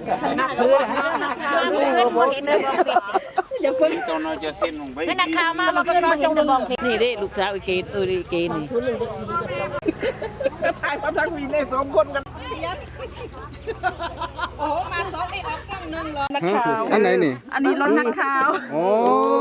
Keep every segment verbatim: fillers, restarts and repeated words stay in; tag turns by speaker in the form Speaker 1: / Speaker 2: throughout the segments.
Speaker 1: นักคืออย่าเพิ่งตอนเราจะเส้นลงไปนักข่าวมาเราก็ต้องเห็นจะมองนี่ดิลูกสาวอีเกนเอออีเกนนี่ถ่ายมาทั้งวีเล่สองคนกันโอ้มาสองไอ้ออกกล้องนึงเลยนักข่าว
Speaker 2: อันไหนนี่
Speaker 1: อันนี้รถนักข่าว
Speaker 2: โอ้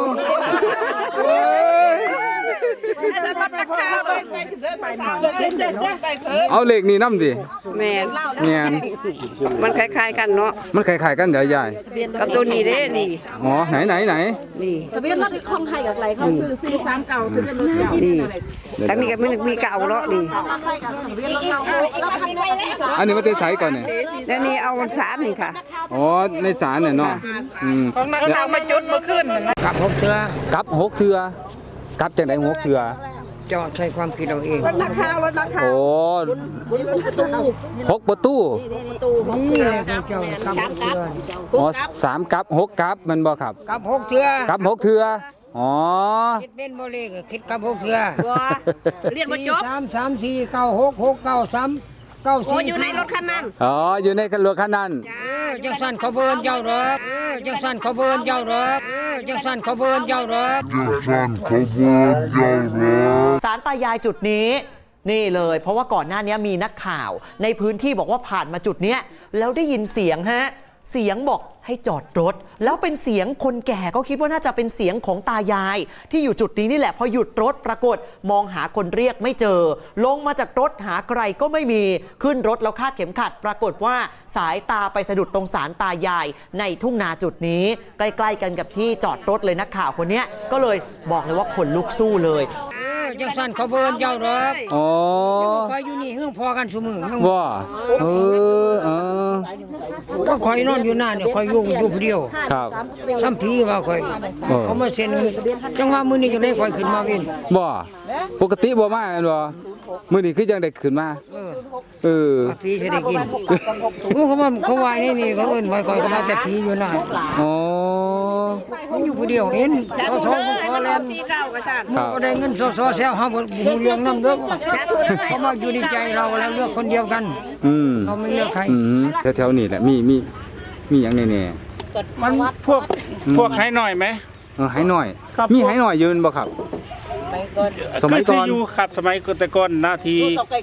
Speaker 1: อันนั้นรถนักข่าวไปหน่อย
Speaker 2: เอาเลขนี่นำดิ
Speaker 3: แม่น
Speaker 2: แม่น
Speaker 3: มันคล้ายๆกันเนาะ
Speaker 2: มันคล้ายๆกันเดี๋ยวยาย
Speaker 3: กับตัวนี้เด้นี่
Speaker 2: อ๋อไหนไหนไหน
Speaker 3: นี่
Speaker 1: ทะเบียนรถคงให้กับไรเขาซื้อซื้อสามเก่าทะเบียนรถเก่า
Speaker 3: นี่ทั้งนี้ก็มันมีเก่าเนาะนี่
Speaker 2: อันนี้มันเป็นไสก่อนเนี่ย
Speaker 3: แล้วนี่เอาสารนี่ค่ะ
Speaker 2: อ๋อในศาลเนี่ยเนาะอืม
Speaker 1: ของนักข่าวมาจุดเมื่อคืน
Speaker 4: กับหกเทือ
Speaker 2: กับหกเทือกับจังได๋หกเทือ
Speaker 4: จอดใช้ความคิดเราเอง
Speaker 1: รถนักข่าวรถนักข่าว
Speaker 2: โอ้หกประตู
Speaker 4: นี่แหละเจ้ากับหกเทือ
Speaker 2: อ๋อสามกับหกกับมันบ่ครับ
Speaker 4: กับหกเทือ
Speaker 2: กับหกเทืออ๋อ
Speaker 4: คิดเป็นโบเลกคิดกับหกเทือ
Speaker 1: เรียนมาจบ
Speaker 4: สามสามสี่เก้าหกหกเก้าสามเก้าสี่
Speaker 1: อยู่ในรถคันนั้น
Speaker 2: อ๋ออยู่ในรถคันนั้น
Speaker 4: จังสันเขาเบิร์นเจ้าดอกจังสันเขาเบิร์นเจ้าดอกจังสันเขาเบิร์นเจ้าดอก
Speaker 5: จังสันเขาเบิร์นเจ้าดอก
Speaker 6: ศาลตายายจุดนี้นี่เลยเพราะว่าก่อนหน้านี้มีนักข่าวในพื้นที่บอกว่าผ่านมาจุดเนี้ยแล้วได้ยินเสียงฮะเสียงบอกให้จอดรถแล้วเป็นเสียงคนแก่ก็คิดว่าน่าจะเป็นเสียงของตายายที่อยู่จุดนี้นี่แหละพอหยุดรถปรากฏมองหาคนเรียกไม่เจอลงมาจากรถหาใครก็ไม่มีขึ้นรถแล้วคาดเข็มขัดปรากฏว่าสายตาไปสะดุดตรงศาลตายายในทุ่งนาจุดนี้ใกล้ๆกันกับที่จอดรถเลยนักข่าวคนนี้ก็เลยบอกเลยว่าขนลุกสู้เลย
Speaker 4: จังสันเขาเบิร์นเจ้าดอก
Speaker 2: อ๋อ
Speaker 4: คอยอยู่นี่เฮื่องพอกันสมือ
Speaker 2: ว่าเออเออ
Speaker 4: ก็คอยนอนอยู่หน้าเนี่ยคอยอยู่อยู่ผู้เดียว
Speaker 2: ครับ
Speaker 4: ซ้ำพีว่าคอยเขามาเซ็นจังว่ามือนี้จะได้คอยขึ้นมาวิน
Speaker 2: บ่ปกติบ่มาแม่นบ่มื้อนี้คือจังได้ขึ้นมาเออ
Speaker 4: ฟรีจะได้กินเขาว่าเขาว่านี่นี่เขาเอิ้นไว้คอยก็มาแต่พีอยู่หน้า
Speaker 2: อ๋อ
Speaker 4: มันอยู่ผู้เดียวเห็นสอสอพอแล้วก็ได้เงินสอสอแซวเฮาบ่ฮู้เรื่องนำเด้อเขามาอยู่ในใจเราแล้วเลือกคนเดียวกัน
Speaker 2: อืม
Speaker 4: เขาไม่เลือกใคร
Speaker 2: อืมแถวๆนี้แหละมีมีมีหยังแน่
Speaker 1: ๆมันพวกพวกให้หน่อยไหม
Speaker 2: เออให้หน่อยมีให้หน่อยยืนบ่ครับสมัยก่อน
Speaker 1: อยู่ครับสมัยแต่ก่อนนาที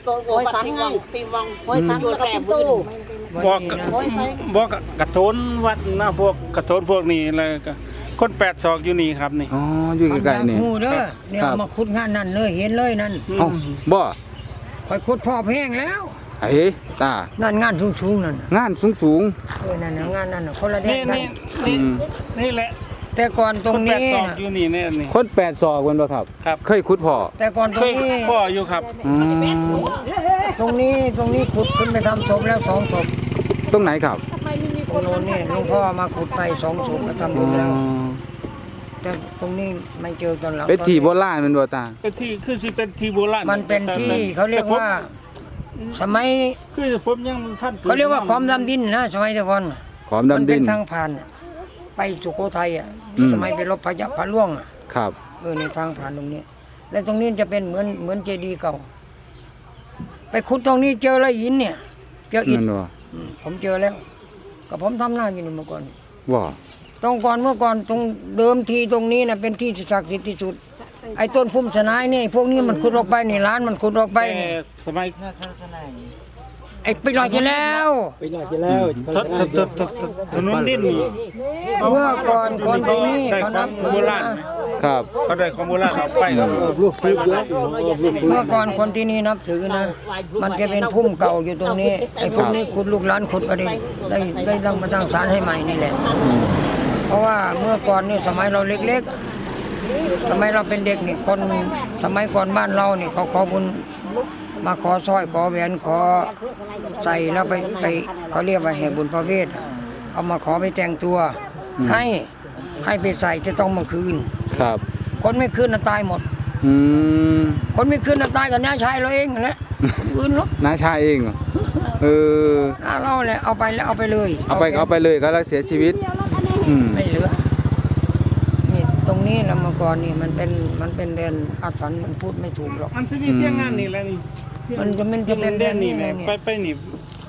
Speaker 1: บอกบอกกระโถนวัดนะพวกกระโถนพวกนี้อะไรก็คนแปดศอกอยู่นี่ครับนี่
Speaker 2: อ๋ออยู่ใกล้ๆนี่
Speaker 4: ฮู้เด้อเนี่ยมาขุดงานนั่นเลยเห็นเลยนั่น
Speaker 2: เอ้าบ่
Speaker 4: ค่อยขุดพอแพงแล้ว
Speaker 2: ไอ้ตา
Speaker 4: นั่นงานสูงๆนั่น
Speaker 2: งานสูง
Speaker 4: ๆเออนั่นงานนั่นคนละแดนกัน
Speaker 1: นี่นี่แหละ
Speaker 4: แต่ก่อนตรงนี้
Speaker 1: คนแปดศอกอยู่นี่แน่นี่
Speaker 2: คนแปดศอกกันบ่ครับ
Speaker 1: ครับ
Speaker 2: เคยขุดพ่อ
Speaker 4: แต่ก่อนตรงนี้
Speaker 1: พ่ออยู่ครับ
Speaker 4: ตรงนี้ตรงนี้ขุดขึ้นไปทำศพแล้วสองศพ
Speaker 2: ตรงไหนครับ
Speaker 4: ตรงโน้นนี่หลวงพ่อมาขุดไปสองศพมาทำบุญแล้วแต่ตรงนี้ไม่เจอตอนหลัง
Speaker 2: เป็นที่โบราณมันบ่ตา
Speaker 1: เป็นที่คือสิเป็นที่โบราณ
Speaker 4: มันเป็นที่เขาเรียกว่าสมัย
Speaker 1: คือผมยังท่าน
Speaker 4: เขาเรียกว่าความดำดินนะสมัยแต่ก่อน
Speaker 2: ความดำดินมัน
Speaker 4: เป็นทางผ่านไปสุโขทัยอ่ะสมัยไปรบพญาพระล่วง
Speaker 2: ครับ
Speaker 4: เออในทางผ่านตรงนี้และตรงนี้จะเป็นเหมือนเหมือนเจดีย์เก่าไปขุดตรงนี้เจออะไรหินเนี่ยเจออิฐผมเจอแล้วก็ผมทำหน้าอยู่นี่เมื่อก่อน
Speaker 2: ว่า
Speaker 4: ตรงก่อนเมื่อก่อนตรงเดิมทีตรงนี้นะเป็นที่ศักดิ์สิทธิ์ที่สุดไอ้ต้นพุ่มสนายนี่พวกนี้มันขุดออกไปนี่ร้านมันขุดออกไปนี่
Speaker 1: สมัย
Speaker 4: ไอ้ไปลอยจะแล้ว
Speaker 1: ไปลอยจะแล้วถนนดิน
Speaker 4: เมื่อก่อนคนที่นี่เขานับถือ
Speaker 1: โบราณ
Speaker 2: ครับ
Speaker 1: เขาได้ของโบราณเอาไปครับ
Speaker 4: เมื่อก่อนคนที่นี่นับถือนะมันจะเป็นพุ่มเก่าอยู่ตรงนี้ไอ้พวกนี้ขุดลูกหลานขุดก็ได้ได้ได้ตั้งมาตั้งศาลให้ใหม่นี่แหละเพราะว่าเมื่อก่อนนี่สมัยเราเล็กๆสมัยเราเป็นเด็กนี่คนสมัยก่อนบ้านเรานี่เขาขอบุญมาขอสร้อยขอแหวนขอใส่แล้วไปไปเขาเรียกว่าแห่บุญพระเวทเอามาขอไปแต่งตัวให้ให้ไปใส่จะต้องมาคืน
Speaker 2: ครับ
Speaker 4: คนไม่คืนน่ะตายหมด
Speaker 2: อืม
Speaker 4: คนไม่คืนน่ะตายกับน้าชายเราเองแหละคืนหรอก
Speaker 2: น้าชายเองเออ
Speaker 4: น้าเราแหละเอาไปแล้วเอาไปเลย
Speaker 2: เอาไปเอาไปเลยก็แล้วเสียชีวิตอืม
Speaker 4: ไม่เหลือนี่ตรงนี้แล้วเมื่อก่อนนี่มันเป็นมันเป็นเดนอาถรรพ์มันพูดไม่ถูกหรอก
Speaker 1: มันจะมีเพียงงานนี่แหละนี่
Speaker 4: มันจะเป็นจะเป็น
Speaker 1: เด่นนี่แหละไปไปนี่ไป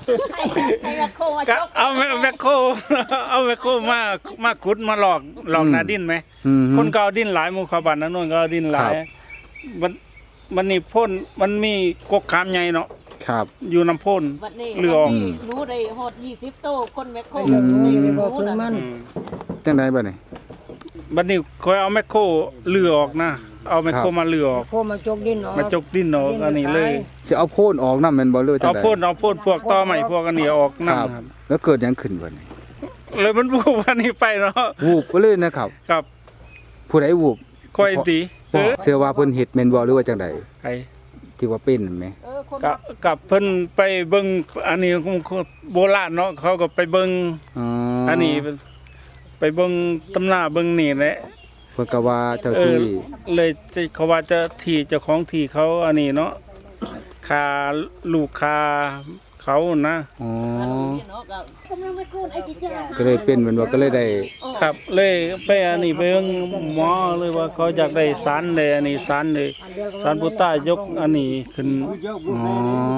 Speaker 1: ให้แมคโครมา
Speaker 7: ก็
Speaker 1: จก
Speaker 7: เอาแมคโครเอาแมคโครมามาขุดมาหลอกหลอกนาดินไหม
Speaker 2: อืม
Speaker 7: คนก็เอาดินหลายหมู่เขาบ้านนั้นโน่นก็เอาดินหลาย
Speaker 2: ครับ
Speaker 7: มันมันนี่พ่นมันมีกกขามใหญ่เนาะ
Speaker 2: ครับ
Speaker 7: อยู่น้ำพ่น
Speaker 1: วันนี้
Speaker 7: เรือออก
Speaker 1: วันนี้หนูได้ฮอดยี่สิบโตคนแมคโคร
Speaker 2: อืม
Speaker 4: ไปบอกซื้อมัน
Speaker 7: อืม
Speaker 2: จังไดบัดนี้
Speaker 7: บัดนี้คอยเอาแมคโครเลือออกนะเอาแมคโคร
Speaker 2: ครับ
Speaker 7: มาเลือออก
Speaker 4: โคมาจกดินออก
Speaker 7: มาจกดินออกอันนี้เลย
Speaker 2: สิเอาโพ่นออกนำแม่นบ่หรือว่าจัง
Speaker 7: เอา
Speaker 2: ได
Speaker 7: พ่นเอาพ่นพวกตอใหม่พวกอันนี้ออก
Speaker 2: ครั
Speaker 7: นำ
Speaker 2: บ
Speaker 7: ครับ
Speaker 2: แล้วเกิดหยังขึ้นบัดนี้
Speaker 7: เลยมันบูบอันนี้ไปเนาะ
Speaker 2: วูบไปเลยนะครับ
Speaker 7: กับ
Speaker 2: ผู้ใดวูบ
Speaker 7: ค่อยตีเออ
Speaker 2: เชื่อว่าเพิ่นเฮ็ดแม่นบ่หรือว่าจังได
Speaker 7: ไอ้
Speaker 2: ที่ว่าเป็นนั่นแหม
Speaker 1: เออคน
Speaker 7: กับกับเพิ่นไปเบิ่งอันนี้ของโบราณเนาะเขาก็ไปเบิ่ง
Speaker 2: อ๋อ
Speaker 7: อันนี้ไปเบิ่งตำราเบิ่งนี่แหละ
Speaker 2: เพิ่นก็ว่าเจ้า
Speaker 7: เออ
Speaker 2: ที่
Speaker 7: เลยจะเขาว่าจะที่เจ้าของที่เขาอันนี้เนาะคาลูกคาเขานะ
Speaker 2: อ๋อ
Speaker 1: เนาะก็กำลังไม่โคนไอ้ที่จะ
Speaker 2: ก็เลยเป็นแม่นบ่ก็เลยได้
Speaker 7: ครับเลยไปอันนี้ไปเบิ่งหมอเลยว่าเขาอยากได้สารเลยอันนี้สารเลยสารพุทธายกอันนี้ขึ้น
Speaker 2: อ๋อ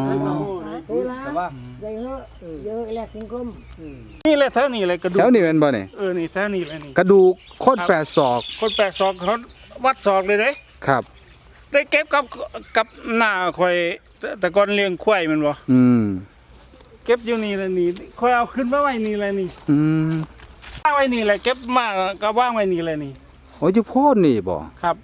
Speaker 4: เยอะเยอะแหลกถึงกลม
Speaker 7: นี่แหละแถวนี้เลยกระดู
Speaker 2: แถ
Speaker 7: ก
Speaker 2: วนี้แม่นบ่นี่
Speaker 7: เออนี่แถวนี้เลยนี่
Speaker 2: กระดูกโคตรแปดศอก
Speaker 7: คนแปลกศอกเขาวัดศอกเลยเด้
Speaker 2: ครับ
Speaker 7: ได้เก็บกับกับหน้าข่อยแต่แต่ก่อนเลี้ยงควายแมันบ่
Speaker 2: อืม
Speaker 7: เก็บอยู่นี่แหละนี่ข่อยเอาขึ้นมาไว้นี่แหละนี่
Speaker 2: อืม
Speaker 7: วางไว้นี่แหละเก็บมาก็วางไว้นี่แหละนี่
Speaker 2: โอ้ยอยู่โพดนี่บ่
Speaker 7: ครับ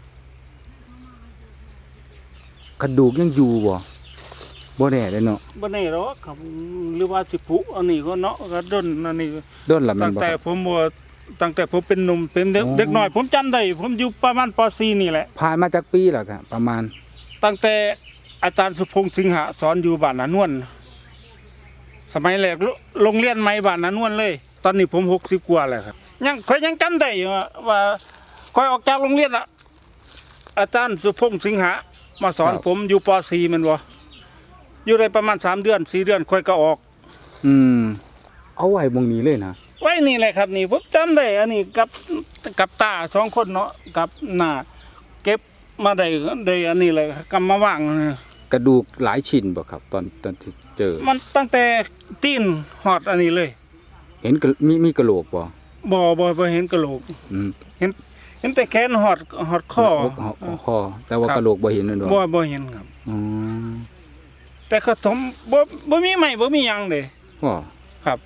Speaker 2: กระดูกยังอยู่บ่บ่แน่เลยเนาะ
Speaker 7: บ่แน่หรอกครับหรือว่าสิผุอันนี้ก็เนาะก็ดนอันนี้
Speaker 2: โดนละแม่
Speaker 7: ตั้
Speaker 2: น
Speaker 7: ง
Speaker 2: บ่
Speaker 7: แต่
Speaker 2: ครับ
Speaker 7: ผมบ่ตั้งแต่ผมเป็นหนุ่มเป็นเด็ก
Speaker 2: อ๋อ
Speaker 7: เด็กน้อย ผมจำได้ผมอยู่ประมาณป .สี่ นี่แหละ
Speaker 2: ผ่านมาจากปีแล้วครับประมาณ
Speaker 7: ตั้งแต่อาจารย์สุพงษ์สิงหะสอนอยู่บ้านนานวลสมัยแรกโรโรงเรียนใหม่บ้านนานวลเลย ตอนนี้ผมหกสิบกว่าแล้วครับยังข่อยยังจำได้อยู่ว่าว่าข่อยออกจากโรงเรียนอะอาจารย์สุพงษ์สิงหะมาสอน
Speaker 2: ครับ
Speaker 7: ผมอยู่ป .สี่ แม่นบ่อยู่ได้ประมาณสามเดือนสี่เดือนข่อยก็ออก
Speaker 2: อืมเอาไว้บงนี้เลยนะ
Speaker 7: ไว้นี่แหละครับนี่ผมจำได้อันนี้กับกับตาสองคนเนาะกับหน้าเก็บมาได้ได้อันนี้เลยกำมาวาง
Speaker 2: กระดูกหลายชิ้นบ่ครับ ตอนตอนที่เจอ
Speaker 7: มันตั้งแต่ตีนหอดอันนี้เลย
Speaker 2: เห็นกระมีมีกระโหลกบ่
Speaker 7: บ่บ่บ่เห็นกระโหลก
Speaker 2: อืม
Speaker 7: เห็นเห็นแต่แขนหอดหอดข้อ
Speaker 2: คอคอแต่ว่ากระโหลกบ่เห็นนั่นบ่
Speaker 7: บ่บ่เห็นครับ
Speaker 2: อ๋อ
Speaker 7: แต่เขาถมบ่บ่มีไม้บ่มีหยังเด้
Speaker 2: บ่
Speaker 7: ครับ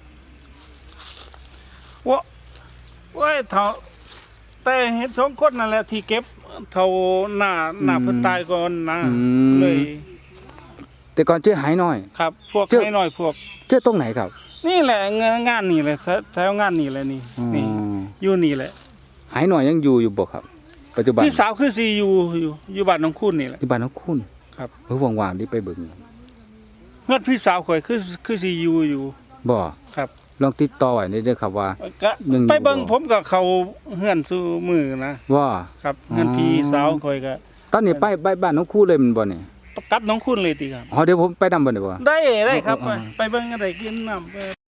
Speaker 7: ว่าว่าเท่าแต่เห็นสองคนนั่นแหละที่เก็บเท่าหน้าหน้าเพิ่นตายก่อนนะเลย
Speaker 2: แต่ก่อนเจอหายน้อย
Speaker 7: ครับ พวก
Speaker 2: เจ้า
Speaker 7: น้อยๆพวก
Speaker 2: เจอตรงไหนครับ
Speaker 7: นี่แหละงานงานนี่แหละแถวแถวงานนี่แหละนี่
Speaker 2: อ๋อ
Speaker 7: นี่อยู่นี่แหละ
Speaker 2: หายน้อยยังอยู่อยู่บ่ครับ ปัจจุบัน
Speaker 7: พี่สาวคือสิอยู่อยู่อยู่บ้านน้องคุณนี่แหละ
Speaker 2: ที่บ้านของคุณ
Speaker 7: ครับ
Speaker 2: เออว่างๆนี่ไปเบิ่ง
Speaker 7: เฮือนพี่สาวข่อยคือคือสิอยู่อยู่
Speaker 2: บ่
Speaker 7: ครับ
Speaker 2: ลองติดต่อไว้ได้เด้อครับว่า
Speaker 7: ก็
Speaker 2: ยังอยู่
Speaker 7: ไปเบิ่ง
Speaker 2: บ่
Speaker 7: ผมก็เข้าเฮือนสู่มือนะ
Speaker 2: ว่า
Speaker 7: ครับเฮือนพี่สาวข่อยก็
Speaker 2: ตอนนี้ไปไปบ้านของครูเลยแมันบ่นี่
Speaker 7: กลับน้องคุณเลยติครับ
Speaker 2: อ๋อเดี๋ยวผมไปนำบ่ได้บ่
Speaker 7: ได้ได้ครับ
Speaker 2: อ๋อ
Speaker 7: ไปไปเบิ่งก็ได้กินน้ำ